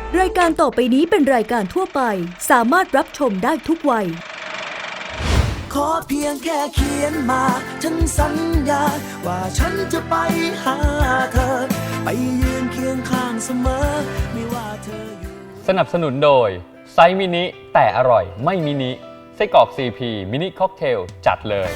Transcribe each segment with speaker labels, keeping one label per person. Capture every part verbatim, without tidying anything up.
Speaker 1: รายการต่อไปนี้เป็นรายการทั่วไปสามารถรับชมได้ทุกวัย
Speaker 2: ขอเพียงแค่เขียนมาฉันสัญญาว่าฉันจะไปหาเธอไปยืนเคียงข้างเสมอไม่ว่าเธออยู่
Speaker 3: สนับสนุนโดยไซส์มินิแต่อร่อยไม่มินิไส้กรอก ซี พี มินิค็อกเทลจัดเลย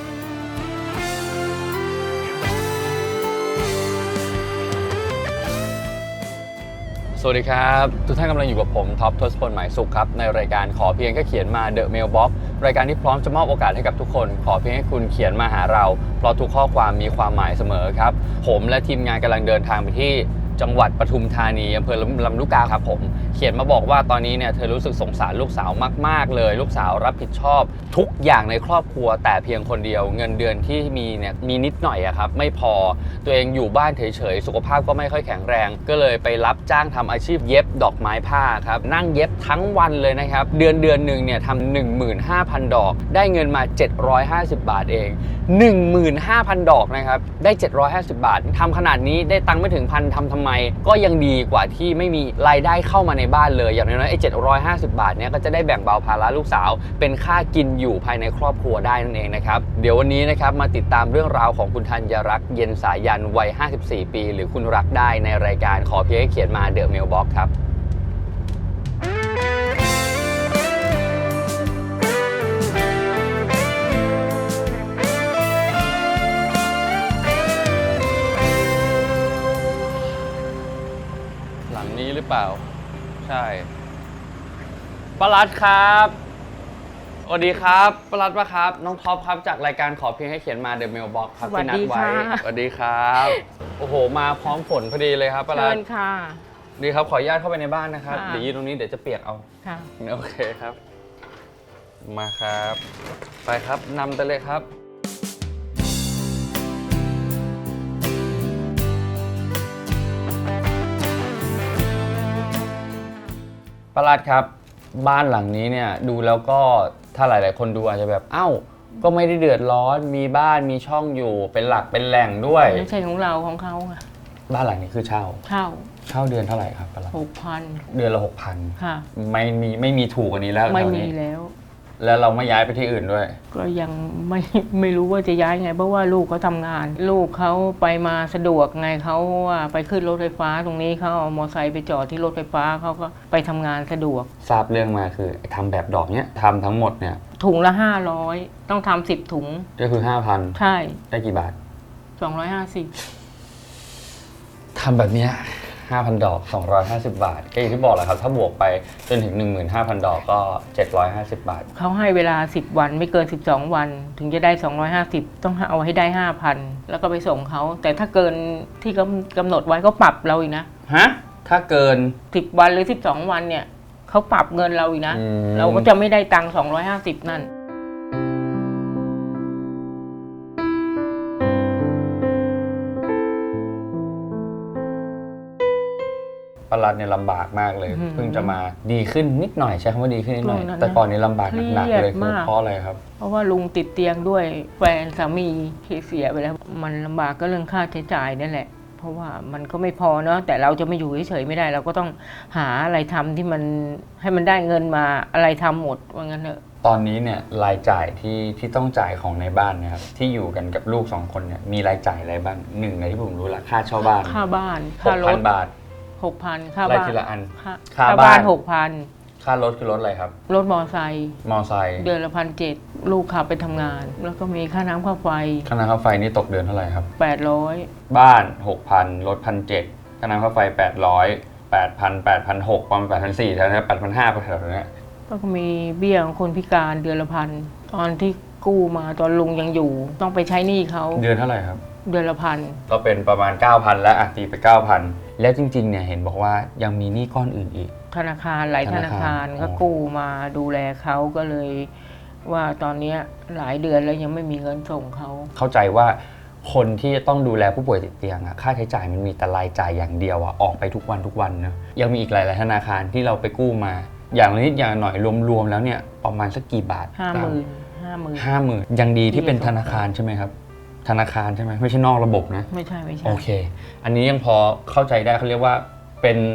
Speaker 3: สวัสดีครับทุกท่านกำลังอยู่กับผมท็อปทศพลหมายสุขครับในรายการขอเพียงแค่เขียนมา The Mailbox รายการที่พร้อมจะมอบโอกาสให้กับทุกคนขอเพียงให้คุณเขียนมาหาเราเพราะทุกข้อความมีความหมายเสมอครับผมและทีมงานกำลังเดินทางไปที่จังหวัดปทุมธานีอำเภอลำลูกกาครับผมเขียนมาบอกว่าตอนนี้เนี่ยเธอรู้สึกสงสารลูกสาวมากๆเลยลูกสาวรับผิดชอบทุกอย่างในครอบครัวแต่เพียงคนเดียวเงินเดือนที่มีเนี่ยมีนิดหน่อยอะครับไม่พอตัวเองอยู่บ้านเฉยๆสุขภาพก็ไม่ค่อยแข็งแรงก็เลยไปรับจ้างทำอาชีพเย็บดอกไม้ผ้าครับนั่งเย็บทั้งวันเลยนะครับเดือนเดือนหนึ่งเนี่ยทำ หนึ่งหมื่นห้าพัน ดอกได้เงินมาเจ็ดร้อยห้าสิบบาทเอง หนึ่งหมื่นห้าพัน ดอกนะครับได้เจ็ดร้อยห้าสิบบาททำขนาดนี้ได้ตังค์ไม่ถึงพันทำทำไมก็ยังดีกว่าที่ไม่มีรายได้เข้ามาในบ้านเลยอย่างน้อยๆไอ้เจ็ดร้อยห้าสิบบาทเนี้ยก็จะได้แบ่งเบาภาระลูกสาวเป็นค่ากินอยู่ภายในครอบครัวได้นั่นเองนะครับเดี๋ยววันนี้นะครับมาติดตามเรื่องราวของคุณธัญรักษ์เย็นสายันวัยห้าสิบสี่ปีหรือคุณรักได้ในรายการขอเพียงให้เขียนมา The Mailbox ครับหลังนี้หรือเปล่าใช่ปลัดครับสวัสดีครับปลัดปะครับน้องท็อปครับจากรายการขอเพียงให้เขียนมา The Mailbox ครับที่นัดไว้สวัสดีครับโอ้โหมาพร้อมฝนพอดีเลยครับปลัดเชิญค่ะดีครับขออนุญาตเข้าไปในบ้านนะครับเดี๋ยวยืนตรงนี้เดี๋ยวจะเปียกเอาค่ะโอเคครับมาครับไปครับนำไปเลยครับปลัดครับบ้านหลังนี้เนี่ยดูแล้วก็ถ้าหลายๆคนดูอาจจะแบบเอ้าก็ไม่ได้เดือดร้อนมีบ้านมีช่องอยู่เป็นหลักเป็นแหล่งด้วย
Speaker 4: ไม่ใช่ของเราของเขาค่ะ
Speaker 3: บ้านหลังนี้คือเช่า
Speaker 4: เช่า
Speaker 3: เช่าเดือนเท่าไหร่ครับปลัด
Speaker 4: หกพัน
Speaker 3: เดือนละหกพัน
Speaker 4: ค่ะ
Speaker 3: ไม่มีไม่มีถูกกว่านี้แล้ว
Speaker 4: ไม่มีแล้ว
Speaker 3: แล้วเราไม่ย้ายไปที่อื่นด้วย
Speaker 4: ก็ยังไม่ไม่รู้ว่าจะย้ายไงเพราะว่าลูกเขาทำงานลูกเขาไปมาสะดวกไงเขาว่าไปขึ้นรถไฟฟ้าตรงนี้เขาเอามอเตอร์ไซค์ไปจอดที่รถไฟฟ้าเขาก็ไปทำงานสะดวก
Speaker 3: ทราบเรื่องมาคือทำแบบดอกเนี้ยทำทั้งหมดเนี่ย
Speaker 4: ถุงละห้าร้อยต้องทำสิบถุง
Speaker 3: ก็คือห้าพัน
Speaker 4: ใช่
Speaker 3: ได้กี่บาท
Speaker 4: สองร้อยห้าสิบ
Speaker 3: ทำแบบเนี้ยห้าพัน ดอกสองร้อยห้าสิบบาทก็อย่างที่บอกแหละครับถ้าบวกไปจนถึง หนึ่งหมื่นห้าพัน ดอกก็เจ็ดร้อยห้าสิบบาท
Speaker 4: เขาให้เวลาสิบวันไม่เกินสิบสองวันถึงจะได้สองร้อยห้าสิบต้องเอาให้ได้ ห้าพัน แล้วก็ไปส่งเขาแต่ถ้าเกินที่กำหนดไว้ก็ปรับเราอีกนะ
Speaker 3: ฮะถ้าเกิน
Speaker 4: สิบวันหรือสิบสองวันเนี่ยเขาปรับเงินเราอีกนะเราก็จะไม่ได้ตังค์สองร้อยห้าสิบนั่น
Speaker 3: ปลัดเนี่ยลำบากมากเลยเพิ่งจะมาดีขึ้นนิดหน่อยใช้คำว่าดีขึ้นนิดหน่อยแต่ก่อนนี้ลำบากหนักๆเลยคือเพราะอะไรครับ
Speaker 4: เพราะว่าลุงติดเตียงด้วยแฟนสามีที่เสียไปแล้วมันลำบากก็เรื่องค่าใช้จ่ายนั่นแหละเพราะว่ามันก็ไม่พอเนาะแต่เราจะไม่อยู่เฉยๆไม่ได้เราก็ต้องหาอะไรทำที่มันให้มันได้เงินมาอะไรทำหมดว่างั้นเถอะ
Speaker 3: ตอนนี้เนี่ยรายจ่ายที่ที่ต้องจ่ายของในบ้านนะครับที่อยู่กันกับลูกสองคนเนี่ยมีรายจ่ายอะไรบ้างหนึ่งในที่ผมรู้ละค่าเช่าบ้าน
Speaker 4: ค่าบ้านค่ารถ
Speaker 3: บาท
Speaker 4: หกพันค่า
Speaker 3: บ้านทีละอัน
Speaker 4: ค่าบ้านหกพัน
Speaker 3: ค่ารถคือรถอะไรครับ
Speaker 4: รถมอไซค์
Speaker 3: มอไซค์
Speaker 4: เดือนละพันเจ็ดลูกขับไปทำงานแล้วก็มีค่าน้ำค่าไฟ
Speaker 3: ค่าน้ำค่าไฟนี่ตกเดือนเท่าไหร่ครับ
Speaker 4: แปดร้อย
Speaker 3: บ้านหกพันรถพันเจ็ดค่าน้ำค่าไฟแปดร้อยแปดพันแปดพันหกประมาณแปดพันสี่แถวนี้แปดพันห้าแถวนี้
Speaker 4: ก็มีเบี้ยของคนพิการเดือนละพันตอนที่กู้มาตอนลุงยังอยู่ต้องไปใช้หนี้เขา
Speaker 3: เดือนเท่าไหร่ครับ
Speaker 4: เดือนละพัน
Speaker 3: ก็เป็นประมาณ เก้าพัน แล้วอ่ะตีไป เก้าพัน แล้วจริงๆเนี่ยเห็นบอกว่ายังมีหนี้ก้อนอื่นอีก
Speaker 4: ธนาคารหลายธนาคารก็กู้มาดูแลเขาก็เลยว่าตอนนี้หลายเดือนแล้วยังไม่มีเงินส่งเขา
Speaker 3: เข้าใจว่าคนที่ต้องดูแลผู้ป่วยติดเตียงอะค่าใช้จ่ายมันมีแต่รายจ่ายอย่างเดียวอะออกไปทุกวันทุกวันนะยังมีอีกหลายๆธนาคารที่เราไปกู้มาอย่างนิดอย่างหน่อยรวมๆแล้วเนี่ยประมาณสักกี่บาท
Speaker 4: ห้าหมื่นห้าหมื่น
Speaker 3: ห้าหมื่นยังดีที่เป็นธนาคารใช่ไหมครับธนาคารใช่ไหมไม่ใช่นอกระบบนะ
Speaker 4: ไม่ใช่ไม่ใช่
Speaker 3: โอเคอันนี้ยังพอเข้าใจได้เขาเรียกว่าเป็น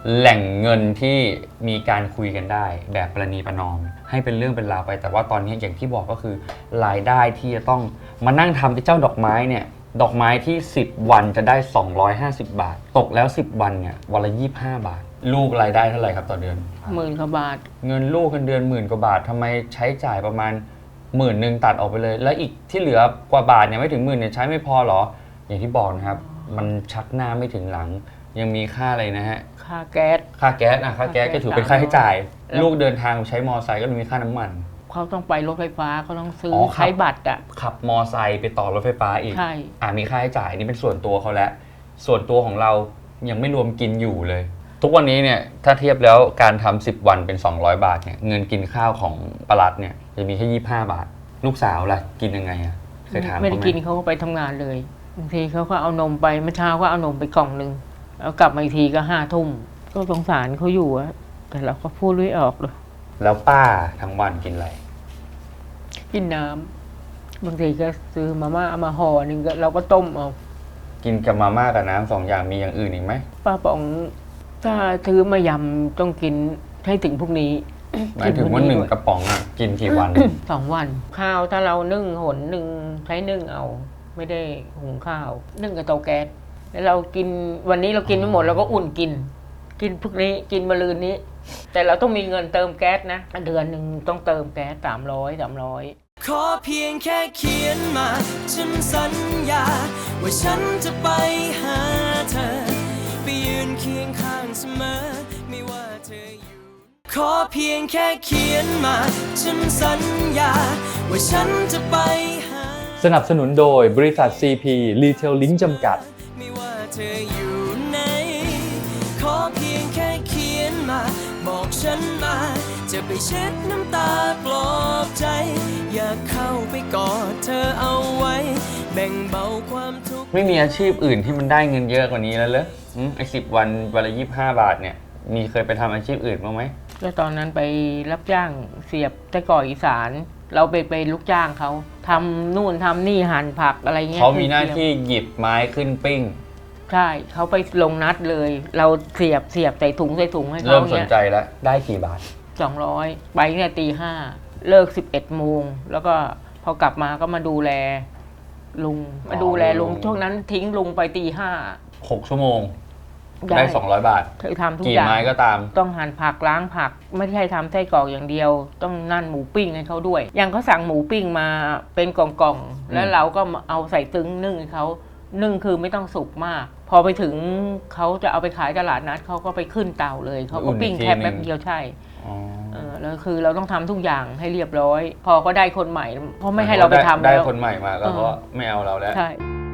Speaker 3: แหล่งเงินที่มีการคุยกันได้แบบประนีประนอมให้เป็นเรื่องเป็นราวไปแต่ว่าตอนนี้อย่างที่บอกก็คือรายได้ที่จะต้องมานั่งทำที่เจ้าดอกไม้เนี่ยดอกไม้ที่สิบวันจะได้สองร้อยห้าสิบบาทตกแล้วสิบวันเนี่ยวันละยี่สิบห้าบาทลูกรายได้เท่าไหร่ครับต่อเดือน
Speaker 4: หมื่นกว่าบาท
Speaker 3: เงินลูกกันเดือนหมื่นกว่าบาททำไมใช้จ่ายประมาณหมื่นหนึ่งตัดออกไปเลยแล้วอีกที่เหลือกว่าบาทเนี่ยไม่ถึงหมื่นเนี่ยใช้ไม่พอหรออย่างที่บอกนะครับมันชักหน้าไม่ถึงหลังยังมีค่าอะไรนะฮะ
Speaker 4: ค่าแก๊ส
Speaker 3: ค่าแก๊สอ่ะค่าแก๊สก็ถือเป็นค่าใช้จ่ายลูกเดินทางใช้มอไซค์ก็มีค่าน้ำมัน
Speaker 4: เขาต้องไปรถไฟฟ้าเขาต้องซื้อใช้บัตรอ่ะ
Speaker 3: ขับมอไซค์ไปต่อรถไฟฟ้าอีก
Speaker 4: ใช่
Speaker 3: อ่ามีค่าใช้จ่ายนี่เป็นส่วนตัวเขาแล้วส่วนตัวของเรายังไม่รวมกินอยู่เลยทุกวันนี้เนี่ยถ้าเทียบแล้วการทำสิบวันเป็นสองร้อยบาทเนี่ยเงินกินข้าวของปลัดเนี่ยจะมีแค่ยี่สิบห้าบาทลูกสาวล่ะกินยังไงอ่ะเคยถามเขาไหม
Speaker 4: ไม่ได้กินเขาก็ไปทำงานเลยบางทีเขาก็เอานมไปเมื่อเช้าก็เอานมไปกล่องนึงแล้วกลับมาอีกทีก็ห้าทุ่มก็สงสารเขาอยู่อะแต่เราก็พูดไม่ออกเลย
Speaker 3: แล้วป้าทั้งวันกินอะไร
Speaker 4: กินน้ำบางทีก็ซื้อมาม่าเอามาห่อหนึ่งเราก็ต้มเอา
Speaker 3: กินกับมาม่ากับน้ำสองอย่างมีอย่างอื่นอีกไหม
Speaker 4: ป้าป๋องถ้าซื้อมายำต้องกินให้ถึงพวกนี้
Speaker 3: หมายถึงว่าหนึ่งกระป๋องอ่ะกินกี่วัน
Speaker 4: สองวันข้าวถ้าเรานึ่งหนหนึ่งใช้นึ่งเอาไม่ได้หุงข้าวนึ่งกับเตาแก๊สแล้วเรากินวันนี้เรากินไม่หมดเราก็อุ่นกินกินพวกนี้กินมะรืนนี้แต่เราต้องมีเงินเติมแก๊สนะเดือนหนึ่งต้องเติมแก๊สสามร้อยสามร้อย
Speaker 2: ขอเพียงแค่เขียนมาฉันสัญญาว่าฉันจะไปหาเธอไปยืนเคียงข้างเสมอไม่ว่าเธออยู่ขอเพียงแค่เขียนมาฉันสัญญาว่าฉันจะไปหา
Speaker 3: สนับสนุนโดยบริษัท ซี พี Retail Link จำกัด
Speaker 2: ไม่ว่าเธออยู่ไหนขอเพียงแค่เขียนมาบอกฉันมาจะไปเช็ดน้ำตาปลอบใจอยากเข้าไปกอดเธอเอาไว้แบ่งเบาความทุกข์ไม่มีอาชีพอื่นที่มันได้เงินเยอะกว่านี้แล้วเหรอไอ้สิบวันวันละยี่สิบห้าบาทเนี่ยมีเคยไปทำอาชีพอื่นบ้างไหม
Speaker 4: ก็ตอนนั้นไปรับจ้างเสียบตะก่ออีสานเราไปไปลูกจ้างเขาทำนู่นทำนี่หั่นผักอะไรเงี้ย
Speaker 3: เขามีหน้าที่หยิบไม้ขึ้นปิ้ง
Speaker 4: ใช่เขาไปลงนัดเลยเราเสียบเสียบใส่ถุงใส่ถุงให้เขา
Speaker 3: เริ่มสนใจแล้วได้กี่บาท
Speaker 4: สองร้อยไปเนี่ยตีห้าเลิกสิบเอ็ดโมงแล้วก็พอกลับมาก็มาดูแลลุงมาดูแลลุงช่วงนั้นทิ้งลุงไปตีห้า
Speaker 3: หกชั่วโมงได้สองร้อยบาท
Speaker 4: เธอทำทุกอย่าง
Speaker 3: กี่ไม้ก็ตาม
Speaker 4: ต้องหั่นผักล้างผักไม่ใช่ทำไส้กรอกอย่างเดียวต้องนั่นหมูปิ้งให้เขาด้วยอย่างเขาสั่งหมูปิ้งมาเป็นกล่องๆแล้วเราก็เอาใส่ตึ้งนึ่งให้เขานึ่งคือไม่ต้องสุกมากพอไปถึงเขาจะเอาไปขายตลาดนัดเขาก็ไปขึ้นเตาเลยเขาก็ปิ้งแค่แป๊บเดียวใช่เออแล้วคือเราต้องทำทุกอย่างให้เรียบร้อยพอก็ได้คนใหม่เพราะไม่ให้เราไปทำ
Speaker 3: แล้วได้คนใหม่มาแล้วก็ไม่เอาเราแล้ว
Speaker 4: ใช่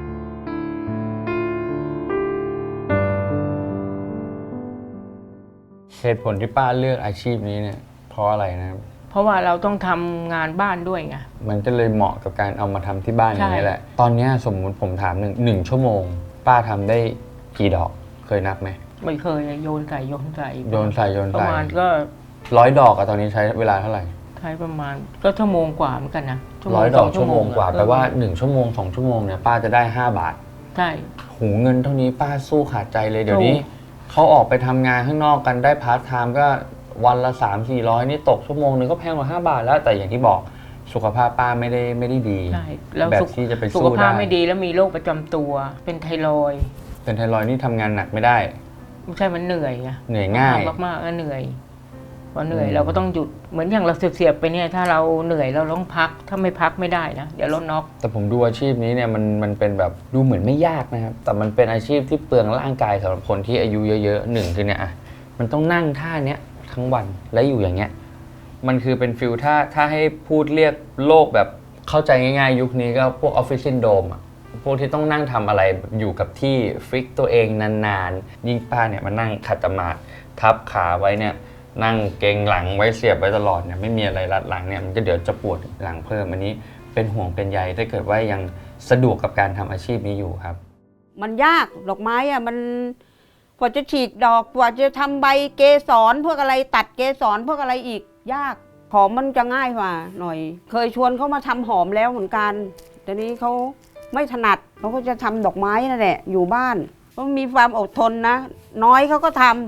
Speaker 3: เหตุผลที่ป้าเลือกอาชีพนี้เนี่ยเพราะอะไรนะครับ
Speaker 4: เพราะว่าเราต้องทำงานบ้านด้วยไง
Speaker 3: มันก็เลยเหมาะกับการเอามาทำที่บ้านอย่างนี้แหละตอนนี้สมมุติผมถามหนึ่งหนึ่งชั่วโมงป้าทำได้กี่ดอกเคยนับไหม
Speaker 4: ไม่เคยโยนใส่โยนใส่
Speaker 3: โยนใส่โยนใส่
Speaker 4: ประมาณก็
Speaker 3: ร้อยดอกอะตอนนี้ใช้เวลาเท่าไหร่
Speaker 4: ใช้ประมาณก็ชั่วโมงกว่าเหมือนกันนะ
Speaker 3: ร้อยดอกชั่วโมงกว่าแปลว่าหนึ่งชั่วโมงสองชั่วโมงเนี่ยป้าจะได้ห้าบาท
Speaker 4: ใช่
Speaker 3: หูเงินเท่านี้ป้าสู้ขาดใจเลยเดี๋ยวนี้เขาออกไปทำงานข้างนอกกันได้พาร์ทไทม์ก็วันละสามสี่ร้อยนี่ตกชั่วโมงนึงก็แพงกว่าห้าบาทแล้วแต่อย่างที่บอกสุขภาพป้าไม่ได้ไม่ได้ดีแบบที่จะไปสู้ได้
Speaker 4: สุขภาพไม่ดีแล้วมีโรคประจำตัวเป็นไทรอยด์
Speaker 3: เป็นไทรอยด์นี่ทำงานหนักไม่ได้
Speaker 4: ไม่ใช่มันเหนื่อยไง
Speaker 3: เหนื่อยง่าย
Speaker 4: มากๆก็เหนื่อยพอเหนื่อยเราก็ต้องหยุดเหมือนอย่างเราเสียบๆไปเนี่ยถ้าเราเหนื่อยเราต้องพักถ้าไม่พักไม่ได้นะเดี๋ยวเราน็อก
Speaker 3: แต่ผมดูอาชีพนี้เนี่ยมันมันเป็นแบบดูเหมือนไม่ยากนะครับแต่มันเป็นอาชีพที่เปลืองร่างกายสำหรับคนที่อายุเยอะๆหนึ่งคือเนี่ยอ่ะมันต้องนั่งท่าเนี้ยทั้งวันและอยู่อย่างเงี้ยมันคือเป็นฟิลถ้าถ้าให้พูดเรียกโลกแบบเข้าใจง่ายๆยุคนี้ก็พวกออฟฟิศซินโดรมอ่ะพวกที่ต้องนั่งทำอะไรอยู่กับที่ฟิกตัวเองนานๆยิ่งป้าเนี่ยมานั่งขัดสมาธิทับขาไว้เนี่ยนั่งเกรงหลังไว้เสียบไว้ตลอดเนี่ยไม่มีอะไรรัดหลังเนี่ยมันก็เดี๋ยวจะปวดหลังเพิ่มอันนี้เป็นห่วงเป็นใยถ้าเกิดว่ายังสะดวกกับการทำอาชีพนี้อยู่ครับ
Speaker 5: มันยากดอกไม้อะมันกว่าจะฉีกดอกกว่าจะทำใบเกสรพวกอะไรตัดเกสรพวกอะไรอีกยากหอมมันจะง่ายกว่าหน่อยเคยชวนเขามาทำหอมแล้วเหมือนกันแต่นี้เขาไม่ถนัดเขาก็จะทำดอกไม้นั่นแหละอยู่บ้านเขามีความอดทนนะน้อยเขาก็ทำ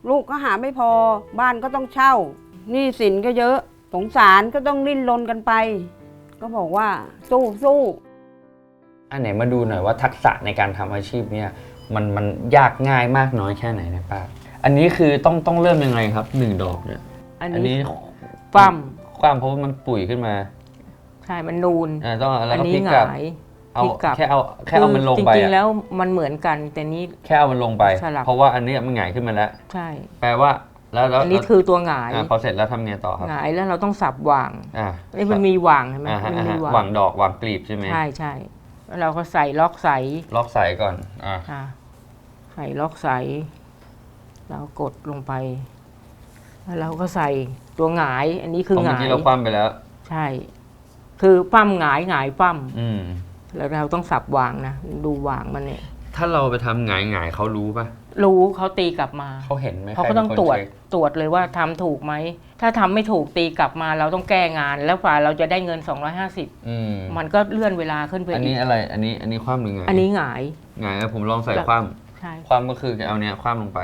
Speaker 5: ลูกก็หาไม่พอบ้านก็ต้องเช่าหนี้สินก็เยอะสงสารก็ต้องดิ้นรนกันไปก็บอกว่าสู้สู้
Speaker 3: อันไหนมาดูหน่อยว่าทักษะในการทำอาชีพเนี่ยมันมันยากง่ายมากน้อยแค่ไหนนะป้าอันนี้คือต้องต้องเริ่มยังไงครับหนึ่งดอกเนี่ย
Speaker 4: อัน
Speaker 3: อัน
Speaker 4: นี้
Speaker 3: นี้
Speaker 4: ปั้ม
Speaker 3: ความเพราะว่ามันปุ๋ยขึ้นมา
Speaker 4: ใช่มันนูน
Speaker 3: อ่าต้องแล้ว
Speaker 4: อัน
Speaker 3: ก็พ
Speaker 4: นี้
Speaker 3: ลิก
Speaker 4: ห
Speaker 3: กลับ
Speaker 4: งาย
Speaker 3: เอา
Speaker 4: พลิกกลับ
Speaker 3: แค่เอาแค่เอามันลงไป
Speaker 4: จริงๆ
Speaker 3: อะ
Speaker 4: แล้วมันเหมือนกันแต่นี้
Speaker 3: แค่เอามันลงไป
Speaker 4: สลับ
Speaker 3: เพราะว่าอันนี้มันหงายขึ้นมาแล้ว
Speaker 4: ใช่
Speaker 3: แปลว่าแล้วแล้ว
Speaker 4: อันนี้คือตัวหงาย
Speaker 3: อ่าพอเสร็จแล้วทำไงต่อครับ
Speaker 4: หงายแล้วเราต้องสับหว่าง
Speaker 3: อ่า
Speaker 4: นี่มันมีหว่างเห็นไหม
Speaker 3: อ่าฮะ
Speaker 4: มัน
Speaker 3: อ่า
Speaker 4: มี
Speaker 3: ฮะ
Speaker 4: หว่าง
Speaker 3: วางดอกวางกลีบใช่ไหม
Speaker 4: ใช่ใช่แล้วเราก็ใส่ล็อกใส
Speaker 3: ล็อกสายก่อนอ่า
Speaker 4: ค่ะใส่ล็อกใสเรากดลงไปแล้วเราก็ใส่ตัวหงาย อันนี้คือ
Speaker 3: เพราะ
Speaker 4: ห
Speaker 3: เมื่อง
Speaker 4: าย
Speaker 3: กี้เราคว่ำไปแล้ว
Speaker 4: ใช่ คือปั้มหงายหงายปั้ม
Speaker 3: อืม
Speaker 4: แล้วเราต้องสับวางนะดูวางมันเนี่ย
Speaker 3: ถ้าเราไปทำหงายหงายเขารู้ป่ะ
Speaker 4: รู้เขาตีกลับมา
Speaker 3: เขาเห็นไหม
Speaker 4: เขาก็ต้อง
Speaker 3: ใค
Speaker 4: ตรวจ
Speaker 3: เป็นคนเช็ค
Speaker 4: ตรวจเลยว่าทำถูกไหมถ้าทำไม่ถูกตีกลับมาเราต้องแก้งาน แล้วฝ่าเราจะได้เงินสองร้อยห้าสิบ
Speaker 3: อืม
Speaker 4: มันก็เลื่อนเวลาขึ้นไป
Speaker 3: อัน
Speaker 4: อี
Speaker 3: นี้
Speaker 4: ก
Speaker 3: อะไร อันนี้ อันนี้คว่ำหรือไง
Speaker 4: อันนี้หงาย
Speaker 3: หงายแล้วผมลองใส่
Speaker 4: แล้ว
Speaker 3: คว่
Speaker 4: ใช่
Speaker 3: ำคว่ำก็คือเอาเนี้ยคว่ำลงไป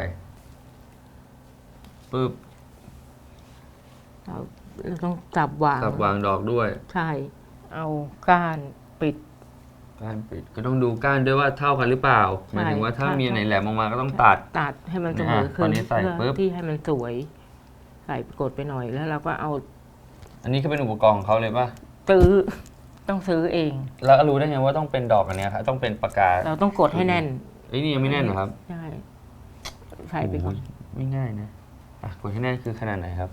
Speaker 3: ปึ๊บ
Speaker 4: เราเราต้องจับวาง
Speaker 3: สับวางดอกด้วย
Speaker 4: ใช่ เอาก้านปิด
Speaker 3: ก้านปิดก็ต้องดูก้านด้วยว่าเท่ากันหรือเปล่าหมายถึงว่าถ้า
Speaker 4: ใช่
Speaker 3: มีอันไหนแหลมออกมาก็ต้องตัด
Speaker 4: ตัดให้มันเสมอ
Speaker 3: อ่ะ
Speaker 4: ขึ้
Speaker 3: ตอน นนี้ใส่
Speaker 4: เพื่อ
Speaker 3: ปุ๊บ
Speaker 4: ที่ให้มันสวย ใส่กดไปหน่อยแล้วเราก็เอา
Speaker 3: อันนี้ก็เป็นอุปกรณ์ของเขาเลยป่ะ
Speaker 4: ซื้อต้องซื้อเอง
Speaker 3: แล้วรู้ได้ไงว่าต้องเป็นดอกอันเนี้ยครับต้องเป็นปากกา
Speaker 4: เราต้องกดให้แน่น
Speaker 3: เอ้ยนี่ยังไม่แน่นเหรอครับ
Speaker 4: ใช่ใส่ไปก่อน
Speaker 3: โอ้โหไม่ง่ายนะอ่ะกดให้แน่นคือขนาดไหนครับ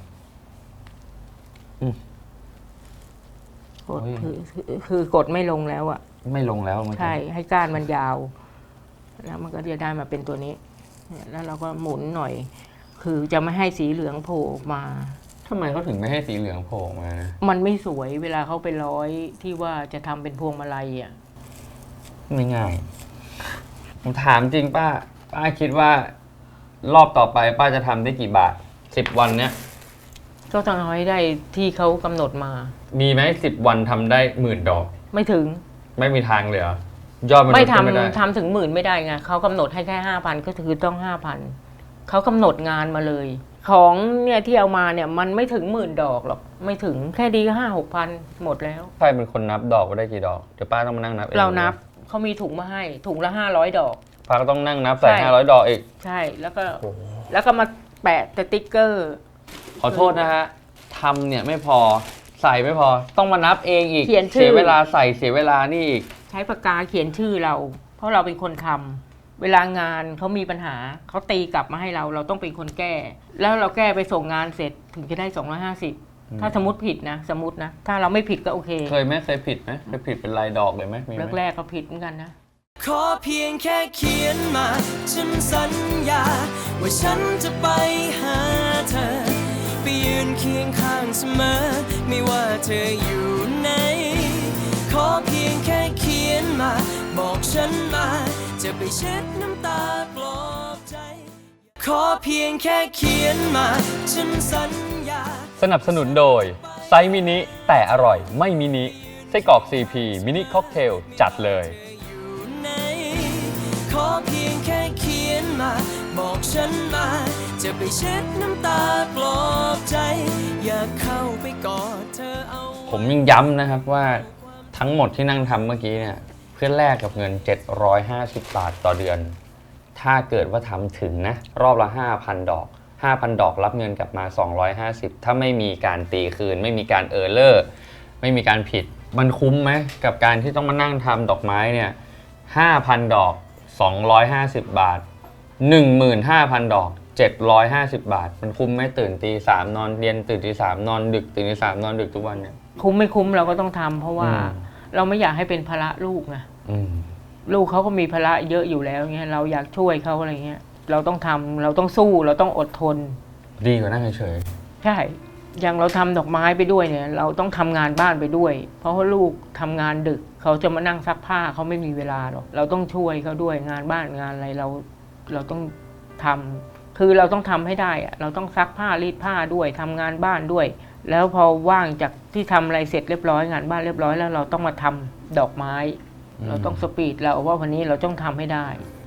Speaker 4: กด
Speaker 3: โอ้ย
Speaker 4: คือคือคือกดไม่ลงแล้วอ่ะ
Speaker 3: ไม่ลงแล้วเมื่อกี้
Speaker 4: ใช่ให้ก้านมันยาว แล้วมันก็จะได้มาเป็นตัวนี้เนี่ยแล้วเราก็หมุนหน่อย คือจะไม่ให้สีเหลืองโผล่ออกมา
Speaker 3: ทำไมเขาถึงไม่ให้สีเหลืองโผล่ออกมานะ
Speaker 4: มันไม่สวยเวลาเขาไปร้อยที่ว่าจะทำเป็นพวงมาลัยอ่ะ
Speaker 3: ไม่ง่าย ผมถามจริงป้า ป้าคิดว่ารอบต่อไปป้าจะทำได้กี่บาทสิบวันเนี้ย
Speaker 4: ก็ต้องเอาให้ได้ที่เขากำหนดมา
Speaker 3: มีไหมสิบวันทำได้หมื่นดอก
Speaker 4: ไม่ถึง
Speaker 3: ไม่มีทางเลยเหรอยอดมัน
Speaker 4: ไม่
Speaker 3: ลดขึ้นไม่ได้
Speaker 4: ทำทำถึงหมื่นไม่ได้ไงเขากำหนดให้แค่ห้าพันก็คือต้องห้าพันเขากำหนดงานมาเลย ของเนี่ยที่เอามาเนี่ยมันไม่ถึงหมื่นดอกหรอกไม่ถึงแค่ดีก็ห้าหกพันหมดแล้ว
Speaker 3: ใครเป็นคนนับดอกว่าได้กี่ดอกเดี๋ยวป้าต้องมานั่งนับอง
Speaker 4: เรานับเขามีถุงมาให้ถุงละห้าร้อยดอก
Speaker 3: ป้าก็ต้องนั่งนับใส่
Speaker 4: ใช่
Speaker 3: ห้าร้อยดอกอีก
Speaker 4: ใช่แล้วก็
Speaker 3: โอ้โห
Speaker 4: แล้วก็มาแปะสติ๊กเกอร์
Speaker 3: ขอโทษนะฮะทำเนี่ยไม่พอใส่ไม่พอต้องมานับเองอีก
Speaker 4: เขียนชื่อ
Speaker 3: เสียเวลาใส่เสียเวลานี่อีก
Speaker 4: ใช้ปากกาเขียนชื่อเรา เพราะเราเป็นคนทำเวลางานเขามีปัญหาเขาตีกลับมาให้เราเราต้องเป็นคนแก้ แล้วเราแก้ไปส่งงานเสร็จถึงจะได้สองร้อยห้าสิบถ้าสมมติผิดนะสมมตินะถ้าเราไม่ผิดก็โอเค
Speaker 3: เคยไหมเคยผิดไหมเคยผิดเป็นลายดอกเลยไหมมีไหม
Speaker 4: แรกๆก็ผิดเหมือนกันนะ
Speaker 2: ขอเพียงแค่เขียนมา ฉันสัญญา ว่าฉันจะไปหาเธอ ไปยืนเคียงข้างเสมอ ไม่ว่าเธออยู่ไหน ขอเพียงแค่เขียนมา บอกฉันมา จะไปเช็ดน้ำตาปลอบใจ ขอเพียงแค่เขียนมา ฉันสัญญา
Speaker 3: สนับสนุนโดยไซส์มินิแต่อร่อยไม่มินิไส้กรอก ซี พี มินิค็อกเทลจัดเลย
Speaker 2: อยู่ไหนขอเพียงแค่เขียนมา บอกฉันมา จะไปเช็ดน้ำตาปลอบใจ อยากเข้าไปกอดเธอเอา
Speaker 3: ผมยังย้ำนะครับว่าทั้งหมดที่นั่งทำเมื่อกี้เนี่ยเพื่อแลกกับเงินเจ็ดร้อยห้าสิบบาทต่อเดือน ถ้าเกิดว่าทำถึงนะรอบละ ห้าพัน ดอก ห้าพัน ดอกรับเงินกลับมา สองร้อยห้าสิบ ถ้าไม่มีการตีคืน ไม่มีการเออร์เลอร์ไม่มีการผิดมันคุ้มไหมกับการที่ต้องมานั่งทำดอกไม้เนี่ย ห้าพัน ดอก สองร้อยห้าสิบ บาท หนึ่งหมื่นห้าพัน ดอก เจ็ดร้อยห้าสิบ บาท มันคุ้มไหมตื่นตีสามนอนเรียนตื่นตีสามนอนดึกตื่นตีสามนอนดึกทุกวันเนี่ย
Speaker 4: คุ้มไม่คุ้มเราก็ต้องทำเพราะว่า
Speaker 3: อืม
Speaker 4: เราไม่อยากให้เป็นภาระลูกนะ
Speaker 3: อืม
Speaker 4: ลูกเขาก็มีภาระเยอะอยู่แล้วเงี้ยเราอยากช่วยเขาอะไรเงี้ยเราต้องทำเราต้องสู้เราต้องอดทน
Speaker 3: ดีกว่านั่งเฉย
Speaker 4: ใช่อย่างเราทำดอกไม้ไปด้วยเนี่ย เราต้องทำงานบ้านไปด้วย เพราะว่าลูกทำงานดึกเขาจะมานั่งซักผ้าเขาไม่มีเวลาหรอกเราต้องช่วยเขาด้วยงานบ้านงานอะไรเราเราต้องทำคือเราต้องทำให้ได้อะเราต้องซักผ้ารีดผ้าด้วยทำงานบ้านด้วย แล้วพอว่างจากที่ทำอะไรเสร็จเรียบร้อยงานบ้านเรียบร้อยแล้วเราต้องมาทำดอกไม้
Speaker 3: ๆ
Speaker 4: เราต้องสปีดเราว่าวันนี้เราต้องทำให้ได้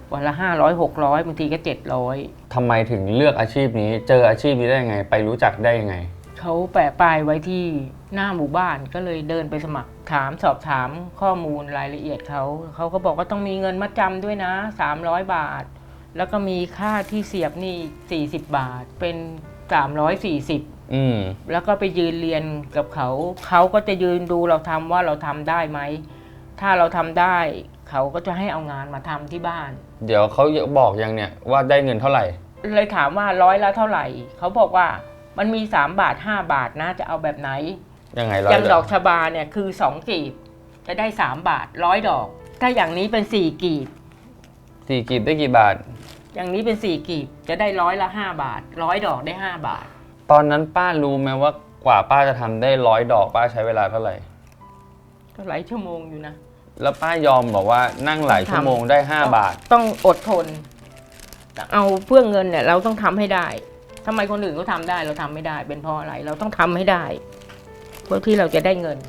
Speaker 4: วันละห้าร้อยหกร้อยบางทีก็เจ็ดร้อย
Speaker 3: ทำไมถึงเลือกอาชีพนี้ เจออาชีพนี้ได้ยังไง ไปรู้จักได้ยังไง
Speaker 4: เขาแปะป้ายไว้ที่หน้าหมู่บ้านก็เลยเดินไปสมัครถามสอบถามข้อมูลรายละเอียดเขาเขาก็บอกว่าต้องมีเงินมัดจำด้วยนะสามร้อยบาทแล้วก็มีค่าที่เสียบนี่สี่สิบบาทเป็นสามร้อยสี่สิบ
Speaker 3: อืม
Speaker 4: แล้วก็ไปยืนเรียนกับเขาเขาก็จะยืนดูเราทำว่าเราทำได้ไหมถ้าเราทำได้เขาก็จะให้เอางานมาทำที่บ้าน
Speaker 3: เดี๋ยวเขาบอกยังเนี่ยว่าได้เงินเท่าไหร่
Speaker 4: เลยถามว่าร้อยละเท่าไหร่เขาบอกว่ามันมีสามบาทห้าบาทนะจะเอาแบบไหน
Speaker 3: ยังไงร้อย
Speaker 4: อย่างดอกชบาเนี่ยคือสองกีบจะได้สามบาทร้อยดอกถ้าอย่างนี้เป็นสี่กีบ
Speaker 3: สี่กีบได้กี่บาท
Speaker 4: อย่างนี้เป็นสี่กีบจะได้ร้อยละห้าบาทร้อยดอกได้ห้าบาท
Speaker 3: ตอนนั้นป้ารู้ไหมว่ากว่าป้าจะทำได้ร้อยดอกป้าใช้เวลาเท่าไหร่
Speaker 4: ก็หลายชั่วโมงอยู่นะ
Speaker 3: แล้วป้ายอมบอกว่านั่งหลายชั่วโมงได้ห้าบาท
Speaker 4: ต้องอดทนเอาเพื่อเงินเนี่ยเราต้องทำให้ได้ทำไมคนอื่นเขาทำได้เราทำไม่ได้เป็นเพราะอะไรเราต้องทำให้ได้เพื่อที่เราจะได้เงิน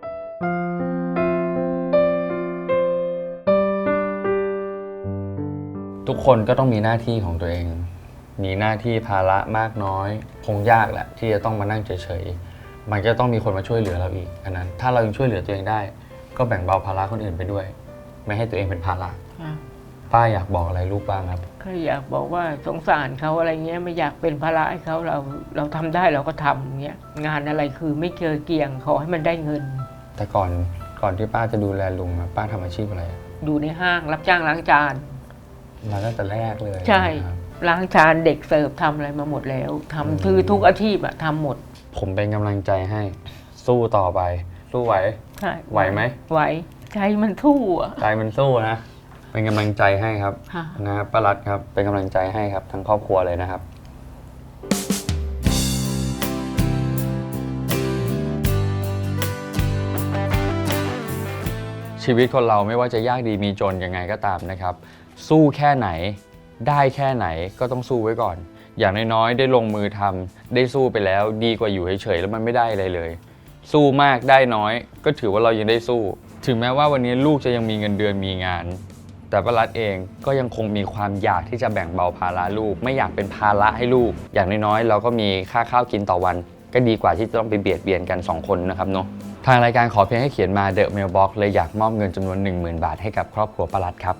Speaker 3: ทุกคนก็ต้องมีหน้าที่ของตัวเองมีหน้าที่ภาระมากน้อยคงยากแหละที่จะต้องมานั่งเฉยๆมันก็ต้องมีคนมาช่วยเหลือเราอีกอันนั้นถ้าเรายังช่วยเหลือตัวเองได้ก็แบ่งเบาภาระคนอื่นไปด้วยไม่ให้ตัวเองเป็นภาระป้าอยากบอกอะไรลูกบ้างครับ
Speaker 4: ก็อยากบอกว่าสงสารเขาอะไรเงี้ยไม่อยากเป็นภาระให้เขาเราเราทำได้เราก็ทำเงี้ยงานอะไรคือไม่เคยเกี่ยงขอให้มันได้เงิน
Speaker 3: แต่ก่อนก่อนที่ป้าจะดูแลลุงป้าทำอาชีพอะไร
Speaker 4: อยู่ในห้างรับจ้างล้างจาน
Speaker 3: มาตั้งแต่แรกเลย
Speaker 4: ใช่ล้างจานเด็กเสิร์ฟทำอะไรมาหมดแล้วทำคือทุกอาชีพอะทำหมด
Speaker 3: ผมเป็นกำลังใจให้สู้ต่อไปสู้ไหว
Speaker 4: ใช่
Speaker 3: ไหวไหม
Speaker 4: ไหวใจมันสู้อะ
Speaker 3: ใจมันสู้นะเป็นกำลังใจให้ครับนะครับป้ารัตครับเป็นกำลังใจให้ครับทั้งครอบครัวเลยนะครับชีวิตคนเราไม่ว่าจะยากดีมีจนยังไงก็ตามนะครับสู้แค่ไหนได้แค่ไหนก็ต้องสู้ไว้ก่อนอย่างน้อยๆได้ลงมือทำได้สู้ไปแล้วดีกว่าอยู่เฉยๆแล้วมันไม่ได้อะไรเลยสู้มากได้น้อยก็ถือว่าเรายังได้สู้ถึงแม้ว่าวันนี้ลูกจะยังมีเงินเดือนมีงานแต่ป้ารัตเองก็ยังคงมีความอยากที่จะแบ่งเบาภาระลูกไม่อยากเป็นภาระให้ลูกอย่างน้อยๆเราก็มีค่าข้าวกินต่อวันก็ดีกว่าที่จะต้องไปเบียดเบียนกันสองคนนะครับเนาะทางรายการขอเพียงให้เขียนมา The Mailbox เลยอยากมอบเงินจำนวน หนึ่งหมื่น บาทให้กับครอบครัวป้ารัตครับ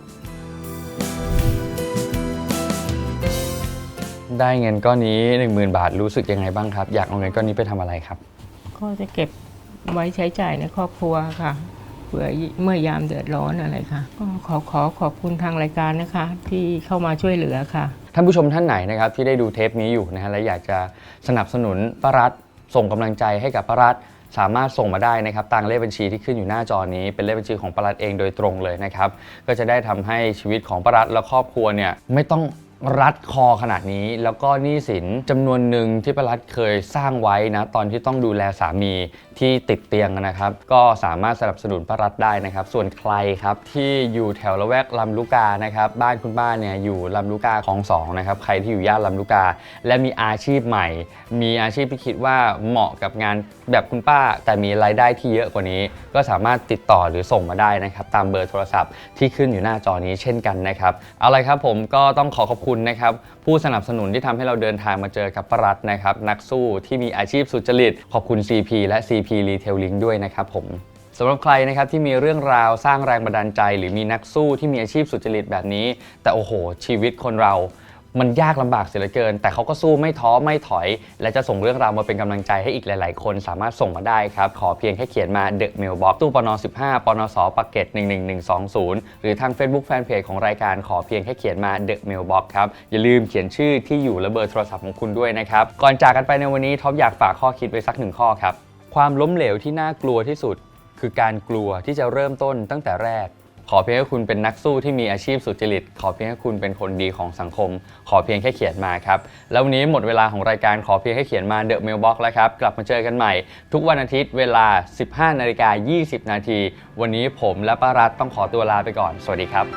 Speaker 3: ได้เงินก้อนนี้ หนึ่งหมื่น บาทรู้สึกยังไงบ้างครับอยากเอาเงินก้อนนี้ไปทำอะไรครับ
Speaker 4: ก็จะเก็บไว้ใช้จ่ายในครอบครัวค่ะเผื่อเมื่อยามเดือดร้อนอะไรค่ะก็ขอขอขอบคุณทางรายการนะคะที่เข้ามาช่วยเหลือค่ะ
Speaker 3: ท่านผู้ชมท่านไหนนะครับที่ได้ดูเทปนี้อยู่นะฮะและอยากจะสนับสนุนป้ารัตส่งกำลังใจให้กับป้ารัตสามารถส่งมาได้นะครับตามเลขบัญชีที่ขึ้นอยู่หน้าจอนี้เป็นเลขบัญชีของป้ารัตเองโดยตรงเลยนะครับก็จะได้ทำให้ชีวิตของป้ารัตและครอบครัวเนี่ยไม่ต้องรัดคอขนาดนี้แล้วก็หนี้สินจำนวนหนึ่งที่ป้ารัตเคยสร้างไว้นะตอนที่ต้องดูแลสามีที่ติดเตียงนะครับก็สามารถสนับสนุนป้ารัตได้นะครับส่วนใครครับที่อยู่แถวละแวกลำลูกกานะครับบ้านคุณป้าเนี่ยอยู่ลำลูกกาคลองสองนะครับใครที่อยู่ย่านลำลูกกาและมีอาชีพใหม่มีอาชีพที่คิดว่าเหมาะกับงานแบบคุณป้าแต่มีรายได้ที่เยอะกว่านี้ก็สามารถติดต่อหรือส่งมาได้นะครับตามเบอร์โทรศัพท์ที่ขึ้นอยู่หน้าจอนี้เช่นกันนะครับเอาละครับผมก็ต้องขอขอบคุณนะครับผู้สนับสนุนที่ทำให้เราเดินทางมาเจอกับป้ารัตนะครับนักสู้ที่มีอาชีพสุจริตขอบคุณ ซี พี และ ซี พี Retailing ด้วยนะครับผมสำหรับใครนะครับที่มีเรื่องราวสร้างแรงบันดาลใจหรือมีนักสู้ที่มีอาชีพสุจริตแบบนี้แต่โอ้โหชีวิตคนเรามันยากลำบากเสียเหลือเกินแต่เขาก็สู้ไม่ท้อไม่ถอยและจะส่งเรื่องราวมาเป็นกำลังใจให้อีกหลายๆคนสามารถส่งมาได้ครับขอเพียงแค่เขียนมา The Mailbox ตู้ปนสิบห้าปนสปากเกร็ดหนึ่งหนึ่งหนึ่งสองศูนย์หรือทาง Facebook Fanpage ของรายการขอเพียงแค่เขียนมา The Mailbox ครับอย่าลืมเขียนชื่อที่อยู่และเบอร์โทรศัพท์ของคุณด้วยนะครับก่อนจากกันไปในวันนี้ท็อปอยากฝากข้อคิดไว้สักหนึ่งข้อครับความล้มเหลวที่น่ากลัวที่สุดคือการกลัวที่จะเริ่มต้นตั้งแต่แรกขอเพียงให้คุณเป็นนักสู้ที่มีอาชีพสุจริตขอเพียงให้คุณเป็นคนดีของสังคมขอเพียงแค่เขียนมาครับแล้ววันนี้หมดเวลาของรายการขอเพียงแค่เขียนมา The Mailbox แล้วครับกลับมาเจอกันใหม่ทุกวันอาทิตย์เวลา สิบห้านาฬิกายี่สิบนาทีวันนี้ผมและป้ารัตต้องขอตัวลาไปก่อนสวัสดีครับ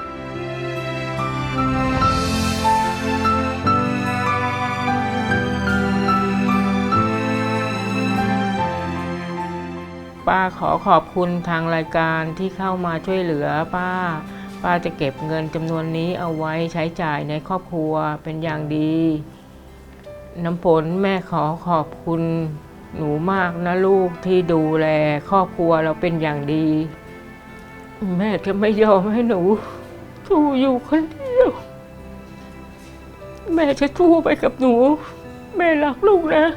Speaker 4: ป้าขอขอบคุณทางรายการที่เข้ามาช่วยเหลือป้าป้าจะเก็บเงินจำนวนนี้เอาไว้ใช้จ่ายในครอบครัวเป็นอย่างดี น้ำฝนแม่ขอขอบคุณหนูมากนะลูกที่ดูแลครอบครัวเราเป็นอย่างดี แม่จะไม่ยอมให้หนูสู้อยู่คนเดียวแม่จะสู้ไปกับหนูแม่รักลูกนะ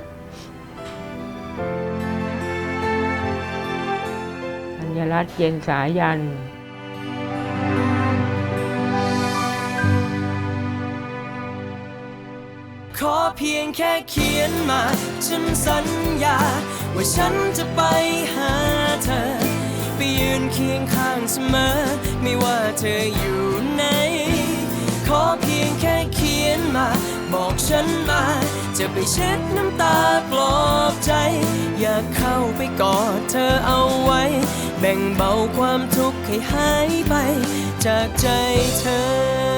Speaker 4: ธัญรัตน์เย็นสายัน
Speaker 2: ขอเพียงแค่เขียนมาฉันสัญญาว่าฉันจะไปหาเธอไปยืนเคียงข้างเสมอไม่ว่าเธออยู่ไหนขอเพียงแค่เขียนมาบอกฉันมาจะไปเช็ดน้ำตาปลอบใจอยากเข้าไปกอดเธอเอาไว้แบ่งเบาความทุกข์ให้หายไปจากใจเธอ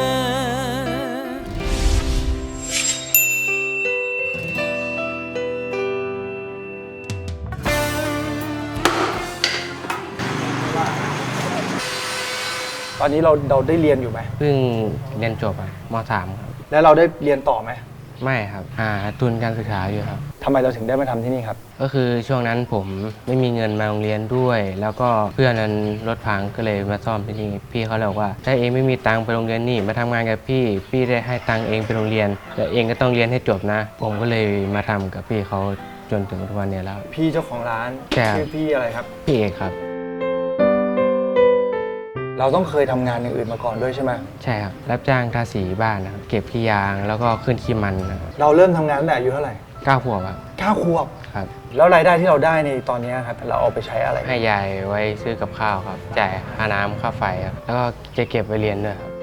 Speaker 6: ตอนนี้เราเราได้เรียนอยู่ไหม
Speaker 7: เพิ่งเรียนจบอะม .สาม ครับ
Speaker 6: แล้วเราได้เรียนต่อไหม
Speaker 7: ไม่ครับหาทุนการศึกษาอยู่ครับ
Speaker 6: ทำไมเราถึงได้มาทำที่นี่ครับ
Speaker 7: ก็คือช่วงนั้นผมไม่มีเงินมาโรงเรียนด้วย แล้วก็เพื่อนนั้นรถพังก็เลยมาซ่อมที่นี่พี่เขาเลยบอกว่าถ้าเองไม่มีตังค์ไปโรงเรียนนี่มาทำงานกับพี่พี่ได้ให้ตังค์เองไปโรงเรียนแต่เองก็ต้องเรียนให้จบนะ ผมก็เลยมาทำกับพี่เขาจนถึงทุกวันนี้แล้ว
Speaker 6: พี่เจ้าของร้าน
Speaker 7: ใช่ครับ
Speaker 6: ชื่อพี่อะไรครับ
Speaker 7: พี่เอกครับ
Speaker 6: เราต้องเคยทำงานอย่างอื่นมาก่อนด้วยใช่ไหม
Speaker 7: ใช่ครับรับจ้างทาสีบ้านนะครับเก็บขี้ยางแล้วก็ขึ้นขี้มันนะครับ
Speaker 6: เราเริ่มทำงานตั้งแต่อายุเท่าไหร่
Speaker 7: เก้าขวบครับ
Speaker 6: เก้าขวบ
Speaker 7: ครับ
Speaker 6: แล้วรายได้ที่เราได้ในตอนนี้ครับเราเอาไปใช้อะไร
Speaker 7: ให้ยายไว้ซื้อกับข้าวครับจ่ายค่าน้ำค่าไฟครับแล้วก็จะเก็บไปเรียนด้วยครับ